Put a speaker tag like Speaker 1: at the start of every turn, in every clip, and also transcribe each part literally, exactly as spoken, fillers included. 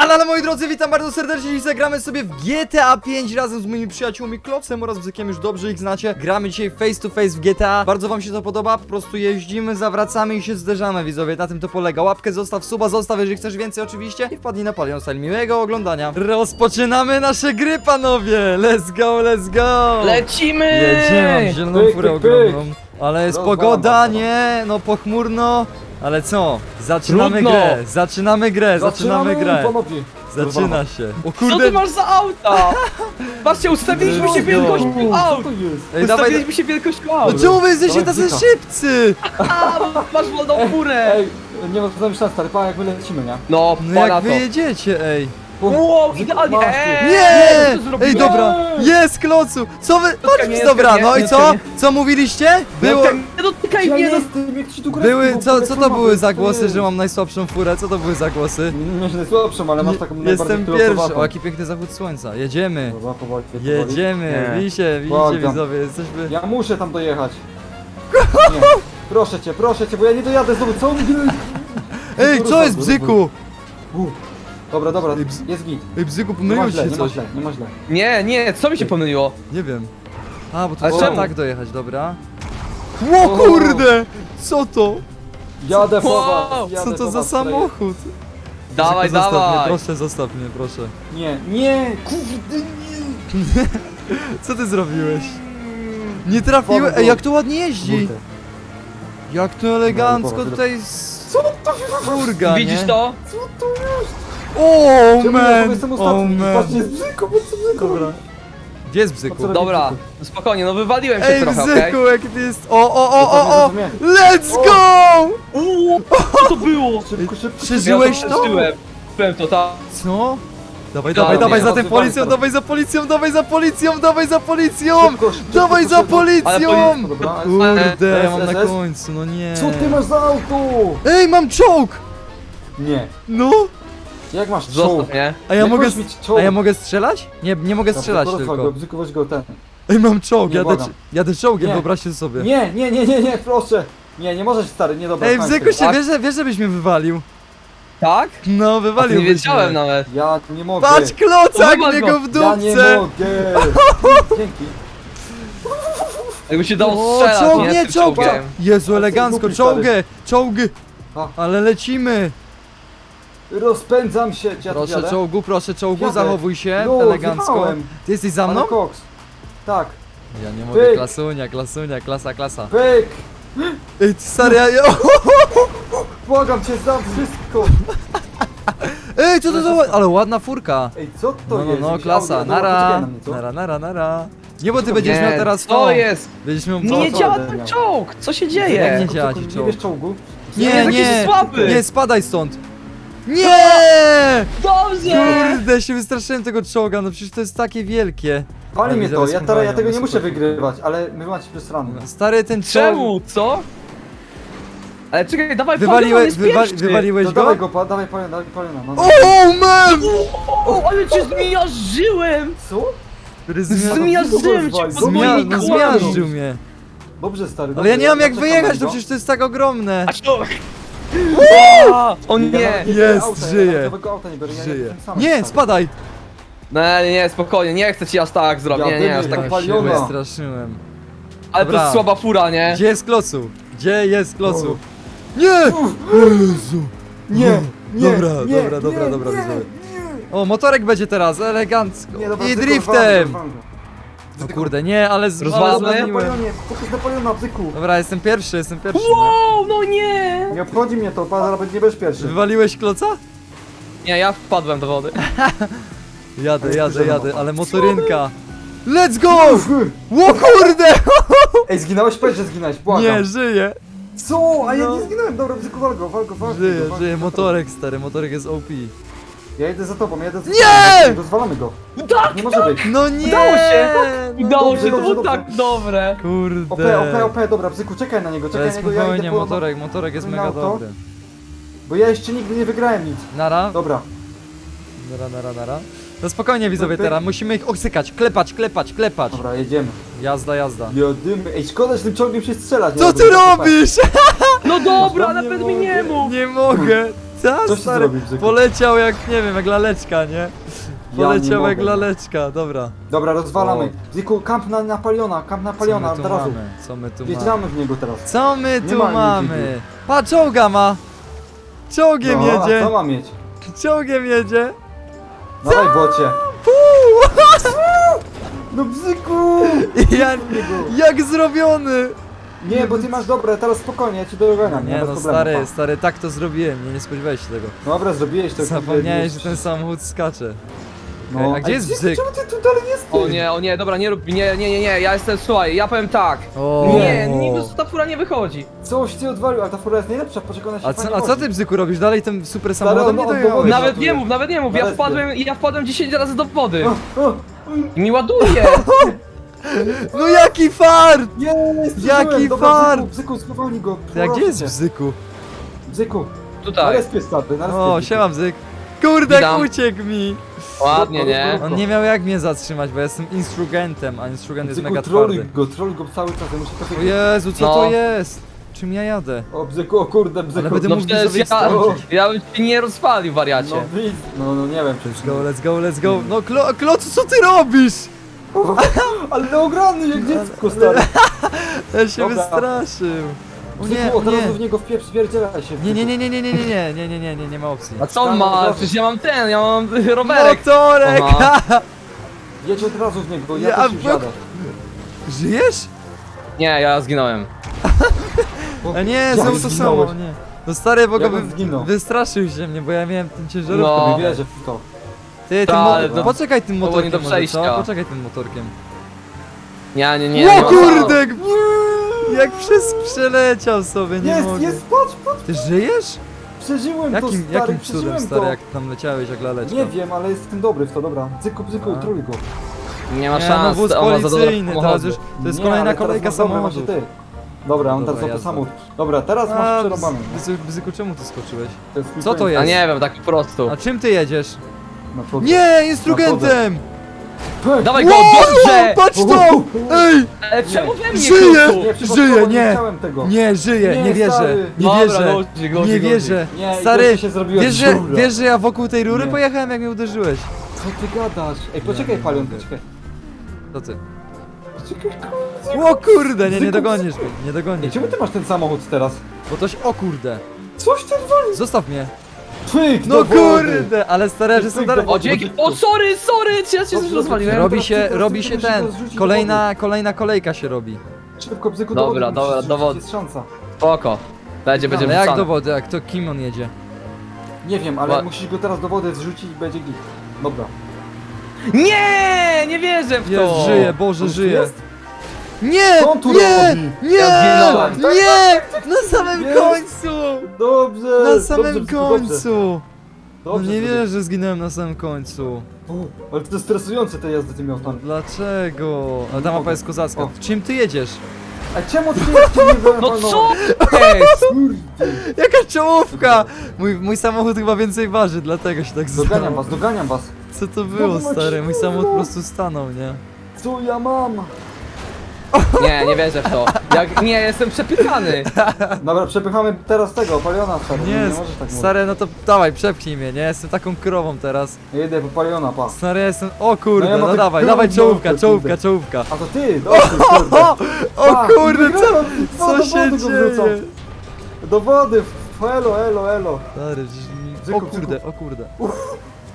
Speaker 1: kanale, moi drodzy, witam bardzo serdecznie. Dzisiaj zagramy sobie w G T A pięć razem z moimi przyjaciółmi Klocem oraz Bzykiem, już dobrze ich znacie. Gramy dzisiaj face to face w G T A. Bardzo wam się to podoba, po prostu jeździmy, zawracamy i się zderzamy, widzowie, na tym to polega. Łapkę zostaw, suba zostaw, jeżeli chcesz więcej oczywiście i wpadnij na Palion Style. Miłego oglądania. Rozpoczynamy nasze gry, panowie. Let's go, let's go.
Speaker 2: Lecimy!
Speaker 1: Jedziemy, mam zieloną
Speaker 3: Pyk,
Speaker 1: furę
Speaker 3: pyk, pyk.
Speaker 1: ogromną. Ale jest
Speaker 3: Rozwalam
Speaker 1: pogoda,
Speaker 3: bardzo.
Speaker 1: nie, no pochmurno. Ale co? Zaczynamy
Speaker 2: Trudno.
Speaker 1: grę, zaczynamy grę, zaczynamy grę.
Speaker 3: panowie.
Speaker 1: Zaczyna się. O
Speaker 2: Co
Speaker 1: kurde.
Speaker 2: ty masz za auta? Patrzcie, ustawiliśmy się wielkością aut!
Speaker 3: Co to jest?
Speaker 1: Ej, dawaj.
Speaker 2: Ustawiliśmy się wielkością aut!
Speaker 1: No czemu wy jesteście
Speaker 3: Dawaj,
Speaker 1: tacy
Speaker 3: Bzyka.
Speaker 1: szybcy?
Speaker 2: A, masz wolną furę!
Speaker 3: Ej, nie ma co myśleć, stary, pa, jak my lecimy, nie?
Speaker 2: No,
Speaker 1: No
Speaker 2: pana
Speaker 1: jak
Speaker 2: to.
Speaker 1: wy jedziecie, ej.
Speaker 2: Wow,
Speaker 3: Zyku,
Speaker 2: idealnie!
Speaker 3: masz ty.
Speaker 2: Eee,
Speaker 1: Nie!
Speaker 2: co zrobiłem?
Speaker 1: Ej, dobra, jest Klocu! Co wy... Patrz,
Speaker 2: nie,
Speaker 1: dobra,
Speaker 2: nie,
Speaker 1: no i
Speaker 2: nie,
Speaker 1: co?
Speaker 2: nie.
Speaker 1: Co mówiliście? Było...
Speaker 2: Nie dotykaj
Speaker 3: Ja
Speaker 2: mnie, no!
Speaker 3: jestem, jak ci tu gra.
Speaker 1: Były... Co, co to były za głosy, że mam najsłabszą furę? Co to były za głosy?
Speaker 3: Nie, nie słabszą, ale masz taką najbardziej
Speaker 1: Jestem pierwszy.
Speaker 3: pilotowatą.
Speaker 1: O, jaki piękny zachód słońca. Jedziemy.
Speaker 3: Dobra, powoli, powoli.
Speaker 1: Jedziemy.
Speaker 2: Nie.
Speaker 1: Widzicie, widzicie,
Speaker 3: Błagam.
Speaker 1: widzowie, jesteśmy...
Speaker 3: Ja muszę tam dojechać. Nie. Proszę cię, proszę cię, bo ja nie dojadę znowu, co on...
Speaker 1: Ej, co jest, Bzyku?
Speaker 3: U. Dobra, dobra,
Speaker 1: Ej, bz-
Speaker 3: jest git.
Speaker 1: Ej, Bzyku,
Speaker 3: Nie ma
Speaker 1: pomyliło
Speaker 3: źle,
Speaker 1: ci
Speaker 3: nie
Speaker 1: się
Speaker 3: ma
Speaker 1: coś.
Speaker 3: źle, nie ma źle.
Speaker 2: Nie, nie, co mi się pomyliło?
Speaker 1: Nie wiem. A, bo to
Speaker 2: Ale
Speaker 1: trzeba
Speaker 2: czemu?
Speaker 1: tak dojechać, dobra. O kurde! Co to?
Speaker 3: Jadę po
Speaker 2: Wow,
Speaker 3: was, jadę
Speaker 1: Co to
Speaker 3: po
Speaker 1: za
Speaker 3: was,
Speaker 1: samochód?
Speaker 2: Dawaj,
Speaker 1: Bzyku, zostaw mnie,
Speaker 2: dawaj!
Speaker 1: proszę, zostaw mnie, proszę.
Speaker 3: Nie, nie, kurde, nie.
Speaker 1: Co ty zrobiłeś? Nie trafiłem.
Speaker 3: Powrót.
Speaker 1: Ej, jak to ładnie jeździ!
Speaker 3: Kurde.
Speaker 1: Jak to elegancko
Speaker 3: powrót.
Speaker 1: tutaj z...
Speaker 3: Co to
Speaker 1: furga,
Speaker 2: Widzisz
Speaker 1: nie?
Speaker 2: to?
Speaker 3: Co to jest?
Speaker 1: O
Speaker 3: Czemu ja
Speaker 1: man!
Speaker 3: jestem
Speaker 1: O
Speaker 3: ostatni?
Speaker 1: man!
Speaker 3: Patrzcie, jest bzyko, bo co bzyko?
Speaker 1: Dobra. Gdzie jest Bzyku?
Speaker 3: Co
Speaker 2: Dobra, no spokojnie, no wywaliłem się
Speaker 1: Ej,
Speaker 2: trochę, okej?
Speaker 1: Bzyku, jak ty jest... O, o, o, o, o!
Speaker 3: Rozumiem.
Speaker 1: Let's
Speaker 3: O.
Speaker 1: go!
Speaker 2: Uuu, co to było?
Speaker 3: Szybko, szybko.
Speaker 1: Przeżyłeś
Speaker 2: Ja
Speaker 1: to?
Speaker 2: przeżyłem. Przeżyłem to, tak.
Speaker 1: Co? Dawaj,
Speaker 2: Ja
Speaker 1: dawaj,
Speaker 2: nie,
Speaker 1: dawaj za
Speaker 3: no
Speaker 1: tym
Speaker 3: to
Speaker 1: policją,
Speaker 3: bardzo.
Speaker 1: dawaj za policją, dawaj za policją, dawaj za policją!
Speaker 3: Szybko, szybko,
Speaker 1: Dawaj za
Speaker 3: szybko.
Speaker 2: Ale
Speaker 1: policją!
Speaker 2: policja-
Speaker 3: Dobra,
Speaker 1: Kurde, ja mam
Speaker 3: S,
Speaker 1: na
Speaker 3: S, S.
Speaker 1: końcu, no nie.
Speaker 3: Co ty masz za auto?
Speaker 1: Ej, mam czołg!
Speaker 3: Nie.
Speaker 1: No!
Speaker 3: Jak masz czołg?
Speaker 2: Zostaw mnie.
Speaker 1: A ja
Speaker 3: Jak
Speaker 1: mogę...
Speaker 3: możesz mieć czołg?
Speaker 1: A ja mogę strzelać? Nie, nie mogę strzelać
Speaker 3: Dobra,
Speaker 1: tylko.
Speaker 3: Go, bzyku, weź go ten.
Speaker 1: Ej, mam czołg,
Speaker 3: Nie,
Speaker 1: jadę,
Speaker 3: błagam.
Speaker 1: jadę czołgiem,
Speaker 3: Nie.
Speaker 1: wyobraźcie sobie.
Speaker 3: Nie, nie, nie, nie, nie, proszę. Nie, nie możesz, stary, nie dobra.
Speaker 1: Ej,
Speaker 3: kończ
Speaker 1: Bzyku,
Speaker 3: tego.
Speaker 1: się wiesz, że- wiesz, żebyś mnie wywalił?
Speaker 2: Tak?
Speaker 1: No,
Speaker 2: A ty
Speaker 1: wywalił
Speaker 2: nie wiedziałem nawet.
Speaker 3: Ja nie mogę.
Speaker 1: Patrz, klocak
Speaker 2: Wywal
Speaker 1: mnie
Speaker 2: go.
Speaker 1: go w
Speaker 3: Ja nie
Speaker 1: dupce!
Speaker 3: mogę. Dzięki.
Speaker 2: Jakby się dało
Speaker 1: O,
Speaker 2: strzelać,
Speaker 1: czołg,
Speaker 2: nie?
Speaker 1: nie,
Speaker 2: Z tym
Speaker 1: czołg!
Speaker 2: czołgiem.
Speaker 1: Jezu,
Speaker 3: A
Speaker 1: elegancko,
Speaker 3: ty głupi,
Speaker 1: czołgę, czołgi!
Speaker 3: A.
Speaker 1: Ale lecimy!
Speaker 3: Rozpędzam się, ja tu
Speaker 1: Proszę
Speaker 3: jadę.
Speaker 1: czołgu, proszę czołgu,
Speaker 3: Jadę.
Speaker 1: zachowuj się
Speaker 3: No,
Speaker 1: elegancko.
Speaker 3: wjechałem.
Speaker 1: Ty jesteś za mną?
Speaker 3: Ale koks. Tak.
Speaker 1: Ja nie mogę,
Speaker 3: Pyk.
Speaker 1: klasunia, klasunia, klasa, klasa.
Speaker 3: Pyk.
Speaker 1: Ej, ty stary, ja... ja-
Speaker 3: Błagam cię, za wszystko.
Speaker 1: Ej, co to za... ła- Ale ładna furka.
Speaker 3: Ej, co to
Speaker 1: No, no,
Speaker 3: jest?
Speaker 1: no,
Speaker 3: Jakieś
Speaker 1: klasa,
Speaker 3: audio? Dobra, poczekaj
Speaker 1: nara,
Speaker 3: na mnie, co?
Speaker 1: nara, nara, nara. Nie, bo ty będziesz miał
Speaker 2: Nie,
Speaker 1: teraz
Speaker 2: co
Speaker 1: to.
Speaker 2: jest?
Speaker 1: Będziesz miał
Speaker 2: Nie,
Speaker 1: to.
Speaker 2: nie
Speaker 3: co
Speaker 2: działa
Speaker 3: będę
Speaker 2: ten
Speaker 3: miał?
Speaker 2: czołg! Co się
Speaker 1: Jak
Speaker 2: dzieje?
Speaker 1: nie działa ci
Speaker 3: Nie
Speaker 1: czołg?
Speaker 3: wiesz czołgu?
Speaker 1: Nie,
Speaker 2: Jest
Speaker 1: nie,
Speaker 2: jakiś słaby.
Speaker 1: nie, spadaj stąd. Nie!
Speaker 2: Dobrze!
Speaker 1: Kurde, się wystraszyłem tego czołga, no przecież to jest takie wielkie.
Speaker 3: Pali mnie to,
Speaker 1: zaraz
Speaker 3: ja, teraz, ja
Speaker 1: powalią,
Speaker 3: tego nie
Speaker 1: no
Speaker 3: muszę
Speaker 1: super.
Speaker 3: wygrywać, ale wy macie plus rano.
Speaker 1: Stary, ten czołg...
Speaker 2: Czemu? Co? Ale czekaj, dawaj
Speaker 1: Wywaliłeś,
Speaker 2: Palion,
Speaker 1: wywa
Speaker 2: jest pierwszy.
Speaker 1: wywaliłeś
Speaker 3: To
Speaker 1: go?
Speaker 3: dawaj go, pa, dawaj paliona, dawaj paliona. No.
Speaker 1: O, man!
Speaker 2: O, ale cię zmiażdżyłem!
Speaker 3: Co?
Speaker 1: Który zmia...
Speaker 2: Zmiażdżyłem cię po
Speaker 1: Zmia...
Speaker 2: moim
Speaker 1: No,
Speaker 2: kłamie.
Speaker 1: zmiażdżył mnie.
Speaker 3: Dobrze, stary.
Speaker 1: Ale ja
Speaker 3: dobrze,
Speaker 1: nie mam jak
Speaker 3: czekam
Speaker 1: wyjechać,
Speaker 3: na
Speaker 1: to
Speaker 3: niego.
Speaker 1: przecież to jest tak ogromne.
Speaker 2: A co? A, O nie!
Speaker 3: Ja nawet
Speaker 1: Jest,
Speaker 3: auta, ja
Speaker 1: żyje.
Speaker 3: nawet nowego auta nie biorę, ja
Speaker 1: Żyje.
Speaker 3: jestem sam,
Speaker 1: Nie,
Speaker 3: stary.
Speaker 1: spadaj!
Speaker 2: No nie, nie, spokojnie, nie chcę ci aż tak zrobić, nie, nie, aż
Speaker 3: Ja
Speaker 2: tak.
Speaker 3: bym-
Speaker 1: Ja się
Speaker 3: paliona.
Speaker 1: wystraszyłem.
Speaker 2: Ale to
Speaker 1: Dobra.
Speaker 2: jest słaba fura, nie?
Speaker 1: Gdzie jest klocu? Gdzie jest klocu?
Speaker 3: O.
Speaker 1: Nie! O Jezu!
Speaker 3: Nie, nie,
Speaker 1: Dobra,
Speaker 3: nie,
Speaker 1: dobra, dobra,
Speaker 3: nie,
Speaker 1: dobra,
Speaker 3: nie,
Speaker 1: widzowie.
Speaker 3: nie.
Speaker 1: O, motorek będzie teraz, elegancko.
Speaker 3: Nie, dobra,
Speaker 1: I
Speaker 3: bzyku,
Speaker 1: driftem!
Speaker 3: walgo, walgo.
Speaker 1: No kurde, nie, ale z...
Speaker 2: Rozwalamy?
Speaker 1: ale
Speaker 3: Na
Speaker 1: zwaliłem.
Speaker 3: Napoleonie, fokus Napoleona, bzyku.
Speaker 1: Dobra, jestem pierwszy, jestem pierwszy.
Speaker 2: Wow, no nie!
Speaker 3: Nie obchodzi mnie to, pan zaraz nie będziesz pierwszy.
Speaker 1: Wywaliłeś kloca?
Speaker 2: Nie, ja wpadłem do wody.
Speaker 1: Jadę, jadę,
Speaker 3: Spojrzałem
Speaker 1: jadę,
Speaker 3: na
Speaker 1: ale motorynka. Let's go!
Speaker 3: Uff.
Speaker 1: O kurde!
Speaker 3: Ej, zginąłeś? Powiedz, że zginąłeś, błagam.
Speaker 1: Nie, żyje.
Speaker 3: Co? A ja
Speaker 1: No.
Speaker 3: nie zginąłem, dobra, bzyku, walgo, walgo, walgo.
Speaker 1: Żyje,
Speaker 3: walgo,
Speaker 1: żyje,
Speaker 3: walgo.
Speaker 1: motorek stary, motorek jest O P.
Speaker 3: Ja jedę za tobą, ja jedę za
Speaker 1: Nie!
Speaker 3: tobą. Rozwalamy go.
Speaker 2: Tak,
Speaker 3: Nie może być.
Speaker 1: No nie!
Speaker 2: Udało się!
Speaker 1: No
Speaker 2: Udało
Speaker 3: dobrze,
Speaker 2: się, to
Speaker 3: dobrze,
Speaker 2: było
Speaker 3: dobrze.
Speaker 2: tak dobre.
Speaker 3: O P,
Speaker 1: Kurde.
Speaker 3: O P, O P, dobra, bzyku, czekaj na niego,
Speaker 1: To
Speaker 3: czekaj
Speaker 1: jest
Speaker 3: na niego, ja
Speaker 1: spokojnie,
Speaker 3: idę po...
Speaker 1: motorek, motorek jest
Speaker 3: na
Speaker 1: mega
Speaker 3: auto.
Speaker 1: dobry.
Speaker 3: Bo ja jeszcze nigdy nie wygrałem nic.
Speaker 1: Nara,
Speaker 3: Dobra.
Speaker 1: nara, nara, nara. No spokojnie widzowie
Speaker 3: Pyk.
Speaker 1: teraz, musimy ich oksykać, klepać, klepać, klepać.
Speaker 3: Dobra, jedziemy.
Speaker 1: Jazda, jazda.
Speaker 3: Jadymy. Ej, szkoda, że tym ciągiem się strzelać.
Speaker 1: Co
Speaker 3: Ja
Speaker 1: ty
Speaker 3: robię,
Speaker 1: robisz?
Speaker 2: No dobra,
Speaker 1: Nie
Speaker 2: nawet mi nie
Speaker 1: mogę,
Speaker 2: mów.
Speaker 1: Nie mogę. Ta,
Speaker 3: Coś ty
Speaker 1: stary,
Speaker 3: zrobił, Bzyku.
Speaker 1: poleciał jak, nie wiem, jak laleczka, nie?
Speaker 3: Ja
Speaker 1: Poleciał
Speaker 3: nie
Speaker 1: jak
Speaker 3: mogę.
Speaker 1: laleczka, dobra.
Speaker 3: Dobra, rozwalamy.
Speaker 1: O.
Speaker 3: Ziku, kamp na Napoleona, kamp na Napoleona,
Speaker 1: Co my
Speaker 3: od
Speaker 1: tu
Speaker 3: razu.
Speaker 1: mamy? Co my tu mamy?
Speaker 3: Wjeżdżamy w niego teraz.
Speaker 1: Co my
Speaker 3: Nie
Speaker 1: tu
Speaker 3: ma
Speaker 1: mamy? Pa, czołga ma! Czołgiem
Speaker 3: No, a co
Speaker 1: jedzie!
Speaker 3: ma mieć?
Speaker 1: Czołgiem jedzie!
Speaker 3: Dawaj, bocie.
Speaker 1: Puu!
Speaker 3: No Bzyku!
Speaker 1: Ja, jak zrobiony!
Speaker 3: Nie, bo ty masz dobre, teraz spokojnie, ja ci dogoniam, nie,
Speaker 1: Nie
Speaker 3: bez
Speaker 1: no,
Speaker 3: problemu,
Speaker 1: stary,
Speaker 3: pa.
Speaker 1: stary, tak to zrobiłem, nie, nie spodziewałeś się tego.
Speaker 3: Dobra, zrobiłeś to.
Speaker 1: Zapomniałeś, że
Speaker 3: kurde,
Speaker 1: ten samochód skacze.
Speaker 3: No,
Speaker 1: A gdzie jest
Speaker 3: Bzyku,
Speaker 1: Bzyk?
Speaker 3: czemu ty tu dalej jesteś?
Speaker 2: O nie, o nie, dobra, nie rób, nie, nie, nie, nie, ja jestem, słuchaj, ja powiem tak.
Speaker 1: O.
Speaker 2: Nie, nie, ta fura nie wychodzi.
Speaker 3: Coś ty odwalił, a ta fura jest najlepsza, poczekaj, ona się
Speaker 1: A
Speaker 3: fajnie
Speaker 1: co, a co
Speaker 3: chodzi.
Speaker 1: ty, Bzyku, robisz? Dalej tym super
Speaker 3: Stary,
Speaker 1: samochodem
Speaker 3: on
Speaker 1: nie
Speaker 3: od
Speaker 1: dojechałeś?
Speaker 3: dowodu-
Speaker 2: Nawet
Speaker 3: żartuję.
Speaker 2: nie mów, nawet nie mów, ja
Speaker 3: Nawet
Speaker 2: wpadłem, ja wpadłem dziesięć razy do wody.
Speaker 3: O, o,
Speaker 2: I mi ładuje.
Speaker 1: No jaki fart!
Speaker 3: jest,
Speaker 1: Jaki
Speaker 3: przeżyłem. Dobra,
Speaker 1: fart!
Speaker 3: Bzyku, Bzyku, spowolnij go.
Speaker 1: Ty, a gdzie
Speaker 3: proszę
Speaker 1: jest
Speaker 3: cię.
Speaker 1: Bzyku?
Speaker 3: Bzyku, na
Speaker 2: Tutaj.
Speaker 3: respie stary, na respie.
Speaker 1: O,
Speaker 3: Bzyku.
Speaker 1: siema Bzyk. Kurde, jak
Speaker 2: Witam.
Speaker 1: uciekł mi!
Speaker 2: Ładnie, nie?
Speaker 1: On nie miał jak mnie zatrzymać, bo ja jestem instrugentem, a instrument jest
Speaker 3: Bzyku,
Speaker 1: mega
Speaker 3: troluj
Speaker 1: twardy.
Speaker 3: go, troluj go cały czas, ja muszę to
Speaker 1: O
Speaker 3: wiedzieć.
Speaker 1: Jezu, co
Speaker 2: No.
Speaker 1: to jest? Czym ja jadę?
Speaker 3: O, Bzyku, o kurde, Bzyku.
Speaker 1: Ale będę
Speaker 2: No
Speaker 1: mógł
Speaker 2: przecież
Speaker 1: sobie
Speaker 2: ja,
Speaker 1: skończyć.
Speaker 2: ja bym ci nie rozpalił, wariacie.
Speaker 3: No, widz, no, no nie wiem, czy
Speaker 1: Let's go, let's go, let's go. No Klo Klocu, co ty robisz?
Speaker 3: Ale ogromny jak dziecko, stary.
Speaker 1: Ja się
Speaker 3: Dobra.
Speaker 1: wystraszył. O nie,
Speaker 3: Bzyku,
Speaker 1: o
Speaker 3: od razu
Speaker 1: nie.
Speaker 3: w niego wpieprz, zwierdzielaj się.
Speaker 1: Nie, nie, nie, nie, nie, nie, nie, nie, nie, nie, nie, nie, nie ma opcji.
Speaker 2: A co on ma? Przecież ja mam ten, ja mam rowerek.
Speaker 1: Motorek!
Speaker 2: Aha.
Speaker 3: Jedź od razu w niego, ja,
Speaker 1: Ja
Speaker 3: też już
Speaker 1: w-
Speaker 3: jadę.
Speaker 1: Żyjesz?
Speaker 2: Nie, ja zginąłem.
Speaker 3: Bo
Speaker 1: A nie,
Speaker 3: jak
Speaker 1: znowu to
Speaker 3: zginąłeś?
Speaker 1: samo, nie. No stary, bo go
Speaker 3: Jak on
Speaker 1: wy
Speaker 3: zginął?
Speaker 1: wystraszył się mnie, bo ja miałem ten ciężarówkę.
Speaker 2: No.
Speaker 3: Nie wierzę w to.
Speaker 1: Ty, tym
Speaker 2: Ta,
Speaker 1: mo
Speaker 2: ale
Speaker 3: to-
Speaker 1: poczekaj tym
Speaker 2: było nie
Speaker 1: motorkiem
Speaker 2: do
Speaker 1: może,
Speaker 2: przejścia.
Speaker 1: co? Poczekaj tym motorkiem.
Speaker 2: Nie, nie, nie. nie
Speaker 1: O
Speaker 2: ma-
Speaker 1: kurde! Jak przez przeleciał sobie, nie
Speaker 3: Jest,
Speaker 1: mogę.
Speaker 3: jest, patrz, patrz,
Speaker 1: Ty żyjesz?
Speaker 3: przeżyłem
Speaker 1: Jakim,
Speaker 3: to, stary,
Speaker 1: jakim
Speaker 3: przeżyłem
Speaker 1: cudem, stary,
Speaker 3: to.
Speaker 1: jak tam leciałeś jak laleczka?
Speaker 3: Nie wiem, ale jestem dobry w to, dobra. Bzyku, bzyku,
Speaker 1: A.
Speaker 3: trój go.
Speaker 2: Nie ma
Speaker 1: Nie,
Speaker 2: szans.
Speaker 1: no wóz
Speaker 2: on ma za dobre
Speaker 1: policyjny, teraz
Speaker 2: samochody.
Speaker 1: już, to jest
Speaker 3: Nie,
Speaker 1: kolejna
Speaker 3: ale teraz
Speaker 1: kolejka
Speaker 3: masz dobre,
Speaker 1: samochodów.
Speaker 3: właśnie ty. Dobra, on
Speaker 1: Dobra,
Speaker 3: teraz za to
Speaker 1: jazda.
Speaker 3: samochód. Dobra, teraz masz
Speaker 1: A,
Speaker 3: przerobany.
Speaker 1: Bzyku, Bzyku, czemu ty skoczyłeś?
Speaker 3: To jest twój
Speaker 1: Co to
Speaker 3: pęd.
Speaker 1: jest?
Speaker 2: A nie wiem, tak po prostu.
Speaker 1: A czym ty jedziesz?
Speaker 3: Na przodu.
Speaker 1: Nie, instrumentem!
Speaker 3: Pęk.
Speaker 2: Dawaj go,
Speaker 1: Wow,
Speaker 2: dobrze!
Speaker 1: patrz to! Ej!
Speaker 2: Ale czemu we mnie,
Speaker 1: Żyje!
Speaker 2: Klusu?
Speaker 3: Nie, przypadkowo
Speaker 1: Żyje,
Speaker 3: nie
Speaker 1: nie!
Speaker 3: chciałem tego.
Speaker 1: Nie, żyję, nie,
Speaker 3: Nie,
Speaker 1: wierzę,
Speaker 3: stary.
Speaker 1: nie
Speaker 2: Dobra,
Speaker 1: wierzę,
Speaker 2: godzi, godzi,
Speaker 1: nie
Speaker 2: godzi.
Speaker 1: wierzę.
Speaker 3: Nie, i
Speaker 1: Stary,
Speaker 3: gościu się zrobiła
Speaker 1: wiesz, że,
Speaker 3: dziura.
Speaker 1: wiesz, że ja wokół tej rury
Speaker 3: Nie.
Speaker 1: pojechałem jak mnie uderzyłeś.
Speaker 3: Co ty gadasz? Ej, poczekaj,
Speaker 1: nie
Speaker 3: Palion,
Speaker 1: mogę.
Speaker 3: poczekaj.
Speaker 1: To ty.
Speaker 3: Poczekaj,
Speaker 1: O kurde, nie, nie
Speaker 3: Zyku,
Speaker 1: dogonisz mnie, nie
Speaker 3: Ej,
Speaker 1: dogonisz
Speaker 3: czemu
Speaker 1: mnie.
Speaker 3: ty masz ten samochód teraz?
Speaker 1: Bo toś, o kurde,
Speaker 3: Coś ty odwalił?
Speaker 1: zostaw mnie.
Speaker 3: Pyk,
Speaker 1: No
Speaker 3: do wody.
Speaker 1: kurde, ale stary, że jestem
Speaker 3: Pyk do
Speaker 1: dalej.
Speaker 2: O,
Speaker 3: wody.
Speaker 2: dzięki. O, sorry, sorry, czy ja cię
Speaker 3: Dobrze,
Speaker 2: coś rozwaliłem?
Speaker 3: dobrze.
Speaker 1: Robi
Speaker 3: teraz
Speaker 1: się,
Speaker 3: tylko-
Speaker 1: robi
Speaker 3: tylko
Speaker 1: się
Speaker 3: musimy
Speaker 1: ten,
Speaker 3: go zrzucić do
Speaker 1: kolejna, kolejna kolejka się robi.
Speaker 3: Szybko, bzyku,
Speaker 2: Dobra,
Speaker 3: do wody
Speaker 2: dobra,
Speaker 3: musisz
Speaker 2: do
Speaker 3: rzucić,
Speaker 2: wody.
Speaker 3: jest szansa.
Speaker 2: Spoko. Będzie, będzie
Speaker 1: Ale jak do
Speaker 2: wrzucane.
Speaker 1: wody, a kto, kim on jedzie?
Speaker 3: Nie wiem, ale
Speaker 2: Ła-
Speaker 3: musisz go teraz do wody zrzucić i będzie git. Dobra.
Speaker 2: Nie, nie wierzę w to.
Speaker 1: Jest, żyje, Boże,
Speaker 3: On tu
Speaker 1: żyje.
Speaker 3: jest?
Speaker 1: Nie,
Speaker 3: Co on tu
Speaker 1: nie,
Speaker 3: robi?
Speaker 1: nie,
Speaker 2: Ja zginąłem.
Speaker 1: nie, na samym
Speaker 3: Jest.
Speaker 1: końcu,
Speaker 3: Dobrze!
Speaker 1: na samym
Speaker 3: dobrze, bzyku, dobrze.
Speaker 1: końcu. No
Speaker 3: Dobrze,
Speaker 1: nie
Speaker 3: bzyku.
Speaker 1: wierzę, że zginąłem na samym końcu.
Speaker 3: O, ale to jest stresujące te jazdy tymi autami.
Speaker 1: Dlaczego? A ta mapa jest kozacka.
Speaker 3: O.
Speaker 1: Czym ty jedziesz?
Speaker 3: A czemu ty jeszcze nie byłem
Speaker 2: No co jest?
Speaker 3: Kurde.
Speaker 1: Jaka czołówka! Mój, mój samochód chyba więcej waży, dlatego się tak
Speaker 3: Doganiam
Speaker 1: zdało.
Speaker 3: was, doganiam was.
Speaker 1: Co to było,
Speaker 3: No,
Speaker 1: stary? Mój
Speaker 3: kurwa.
Speaker 1: samochód po prostu stanął, nie?
Speaker 3: Co ja mam?
Speaker 2: Nie, nie wierzę w to. Jak, nie, jestem przepychany.
Speaker 3: Dobra, przepychamy teraz tego, Paliona, stary.
Speaker 1: Nie,
Speaker 3: nie możesz tak mówić.
Speaker 1: stary, no to dawaj, przepchnij mnie, nie? Jestem taką krową teraz.
Speaker 3: Ja jedę po Paliona, pa.
Speaker 1: Stary, jestem... O kurde,
Speaker 3: No ja
Speaker 1: no,
Speaker 3: mam tak
Speaker 1: dawaj,
Speaker 3: krową
Speaker 1: dawaj, czołówka,
Speaker 3: mordę,
Speaker 1: czołówka,
Speaker 3: kurde.
Speaker 1: czołówka.
Speaker 3: A to ty, dobrze, kurde.
Speaker 1: O, o
Speaker 3: Pa,
Speaker 1: kurde, co,
Speaker 3: wygrałem. No,
Speaker 1: co
Speaker 3: do
Speaker 1: się
Speaker 3: wody go wrzucam.
Speaker 1: dzieje?
Speaker 3: Do wody, elo, elo, elo.
Speaker 1: Stary, przecież mi...
Speaker 3: Bzyku,
Speaker 1: O kurde, o kurde.
Speaker 3: Uff.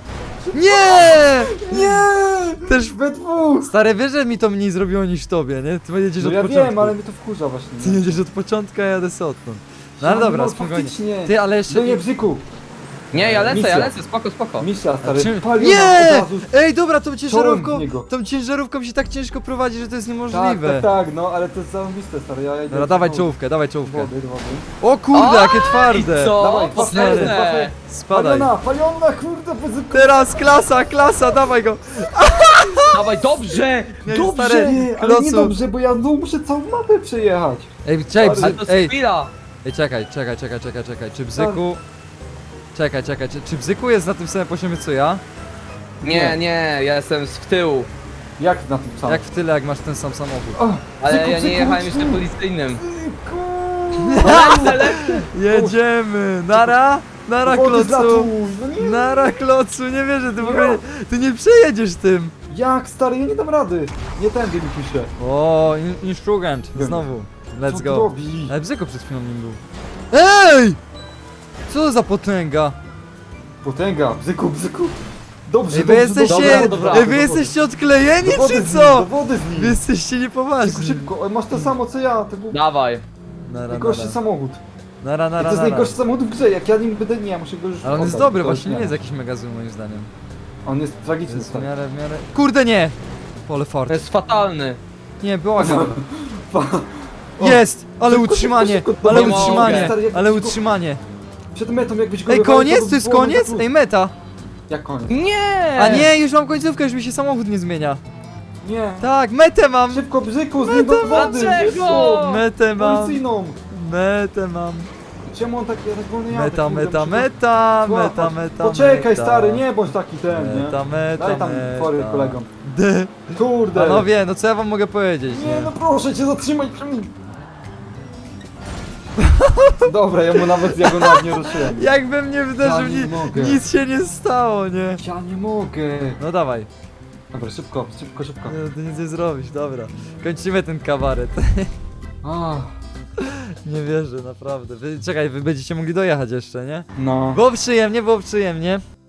Speaker 1: Nie!
Speaker 3: Nie!
Speaker 1: Też...
Speaker 3: We dwóch!
Speaker 1: Stary, wiesz, że mi to mniej zrobiło niż tobie, nie? Ty jedziesz
Speaker 3: No
Speaker 1: od
Speaker 3: ja
Speaker 1: początku.
Speaker 3: wiem, ale mnie to wkurza właśnie.
Speaker 1: Ty
Speaker 3: nie?
Speaker 1: jedziesz od początku, a ja jadę sobie odtąd. No ale
Speaker 3: No,
Speaker 1: dobra,
Speaker 3: no,
Speaker 1: spokojnie.
Speaker 3: faktycznie.
Speaker 1: Ty, ale jeszcze...
Speaker 3: No nie, bzyku.
Speaker 2: Nie, ja lecę, ja
Speaker 3: Misja.
Speaker 2: lecę, spoko, spoko.
Speaker 3: Misja,
Speaker 1: A
Speaker 3: stary.
Speaker 1: czym-
Speaker 3: Paliona od
Speaker 1: Nie!
Speaker 3: razu.
Speaker 1: Ej, dobra, tą ciężarówką,
Speaker 3: w niego.
Speaker 1: tą ciężarówką się tak ciężko prowadzi, że to jest
Speaker 3: Tak,
Speaker 1: niemożliwe.
Speaker 3: tak, tak, no ale to jest zarąbiste, stary. Ja idę
Speaker 1: Dobra,
Speaker 3: do
Speaker 1: dawaj
Speaker 3: wody.
Speaker 1: czołówkę, dawaj czołówkę.
Speaker 3: Wody, do wody.
Speaker 1: O kurde, jakie twarde.
Speaker 2: I co?
Speaker 3: Dawaj,
Speaker 2: Potężne.
Speaker 1: Spadaj.
Speaker 3: Paliona, paliona, kurde, bez...
Speaker 1: Teraz klasa, klasa, dawaj go.
Speaker 2: Dawaj, dobrze,
Speaker 1: Nie,
Speaker 2: dobrze.
Speaker 1: stary.
Speaker 3: Nie, ale
Speaker 1: Klocu.
Speaker 3: nie dobrze, bo ja no, muszę całą mapę przejechać.
Speaker 1: Ej, czekaj,
Speaker 3: Ale
Speaker 1: bzy...
Speaker 2: Ale to jest
Speaker 1: ej,
Speaker 2: chwila.
Speaker 1: ej, czekaj, czekaj, czekaj, czekaj, czekaj, czy Bzyku... Czekaj, czekaj, czy, czy Bzyku jest na tym samym poziomie co ja?
Speaker 2: Nie, nie, ja jestem z tyłu.
Speaker 3: Jak na tym samym?
Speaker 1: Jak w tyle, jak masz ten sam samochód.
Speaker 3: O,
Speaker 2: Ale
Speaker 3: bzyku,
Speaker 2: ja nie
Speaker 3: bzyku,
Speaker 2: jechałem
Speaker 3: bzyku,
Speaker 2: jeszcze policyjnym.
Speaker 3: bzyku.
Speaker 2: Lecę, lecę.
Speaker 1: Jedziemy, nara! Nara
Speaker 3: Do wody
Speaker 1: klocu!
Speaker 3: zlatuj, no nie.
Speaker 1: Nara klocu, nie wierzę, ty w
Speaker 3: Nie.
Speaker 1: ogóle, ty nie przejedziesz tym!
Speaker 3: Jak, stary, ja nie dam rady. Nie tędy mi pisze.
Speaker 1: O, in instrument, znowu. Let's
Speaker 3: Co ty
Speaker 1: go.
Speaker 3: robi?
Speaker 1: Ale Bzyko przed chwilą nim był. Ej! Co za potęga?
Speaker 3: Potęga, bzyku, bzyku. Dobrze,
Speaker 1: Ej, wy
Speaker 3: dobrze,
Speaker 1: jesteście,
Speaker 3: dobrze,
Speaker 2: dobra,
Speaker 1: ej, wy
Speaker 3: do wody.
Speaker 1: jesteście odklejeni,
Speaker 3: Do wody
Speaker 1: czy
Speaker 3: z nim,
Speaker 1: co?
Speaker 3: do wody z
Speaker 1: Wy
Speaker 3: nim.
Speaker 1: jesteście
Speaker 3: Szybko,
Speaker 1: niepoważni.
Speaker 3: szybko, masz to samo co ja, to był
Speaker 2: Dawaj.
Speaker 1: Nara,
Speaker 3: najgorszy
Speaker 1: nara.
Speaker 3: samochód.
Speaker 1: Nara,
Speaker 3: To
Speaker 1: nara,
Speaker 3: jest
Speaker 1: nara.
Speaker 3: najgorszy samochód w grze, jak ja nim będę, nie, ja muszę go już
Speaker 1: Ale on jest
Speaker 3: oddać,
Speaker 1: dobry,
Speaker 3: to
Speaker 1: właśnie nie
Speaker 3: nie.
Speaker 1: jest jakiś mega zły moim zdaniem.
Speaker 3: On jest
Speaker 1: To
Speaker 3: tragiczny,
Speaker 1: jest w
Speaker 3: stary.
Speaker 1: miarę, w miarę... Kurde nie! Pole fart.
Speaker 2: To jest fatalny.
Speaker 1: Nie, błagam.
Speaker 3: O,
Speaker 1: Jest! Ale
Speaker 3: szybko,
Speaker 1: utrzymanie!
Speaker 3: szybko, szybko,
Speaker 1: Ale
Speaker 2: nie mogę.
Speaker 1: utrzymanie!
Speaker 3: Stary, jak
Speaker 1: Ale
Speaker 3: szybko-
Speaker 1: utrzymanie!
Speaker 3: Przed metą jakbyś go
Speaker 1: Ej,
Speaker 3: wywalił,
Speaker 1: koniec?
Speaker 3: by
Speaker 1: To jest
Speaker 3: było mega
Speaker 1: koniec?
Speaker 3: plus.
Speaker 1: Ej, meta!
Speaker 3: Jak koniec?
Speaker 2: Nie!
Speaker 1: A nie, już mam końcówkę, już mi się samochód nie zmienia.
Speaker 3: Nie.
Speaker 1: Tak, metę mam!
Speaker 3: Szybko, bzyku, z niego do wody,
Speaker 2: Dlaczego?
Speaker 3: szybko.
Speaker 1: Metę mam!
Speaker 3: Policyjną.
Speaker 1: Metę mam!
Speaker 3: Czemu on tak, ja tak wolno jadę?
Speaker 1: Meta,
Speaker 3: kurde,
Speaker 1: meta,
Speaker 3: muszę go
Speaker 1: meta,
Speaker 3: złapać.
Speaker 1: meta, meta,
Speaker 3: Poczekaj,
Speaker 1: meta.
Speaker 3: stary, nie bądź taki ten, nie?
Speaker 1: Meta, meta,
Speaker 3: Daj tam
Speaker 1: meta.
Speaker 3: fory kolegom.
Speaker 1: D.
Speaker 3: Kurde.
Speaker 1: Panowie, no co ja wam mogę powiedzieć,
Speaker 3: Nie,
Speaker 1: nie?
Speaker 3: no proszę cię, zatrzymaj przy mnie. Dobra, ja mu nawet ja go nawet nie ruszyłem.
Speaker 1: Jakbym nie wderzył,
Speaker 3: Ja nie
Speaker 1: ni
Speaker 3: mogę.
Speaker 1: nic się nie stało, nie?
Speaker 3: Ja nie mogę.
Speaker 1: No dawaj,
Speaker 3: Dobra, szybko, szybko, szybko.
Speaker 1: nie, ty nic nie zrobisz, dobra. Kończymy ten kabaret.
Speaker 3: Ah,
Speaker 1: Nie wierzę, naprawdę. Wy, czekaj, wy będziecie mogli dojechać jeszcze, nie?
Speaker 3: no.
Speaker 1: Było przyjemnie, było przyjemnie.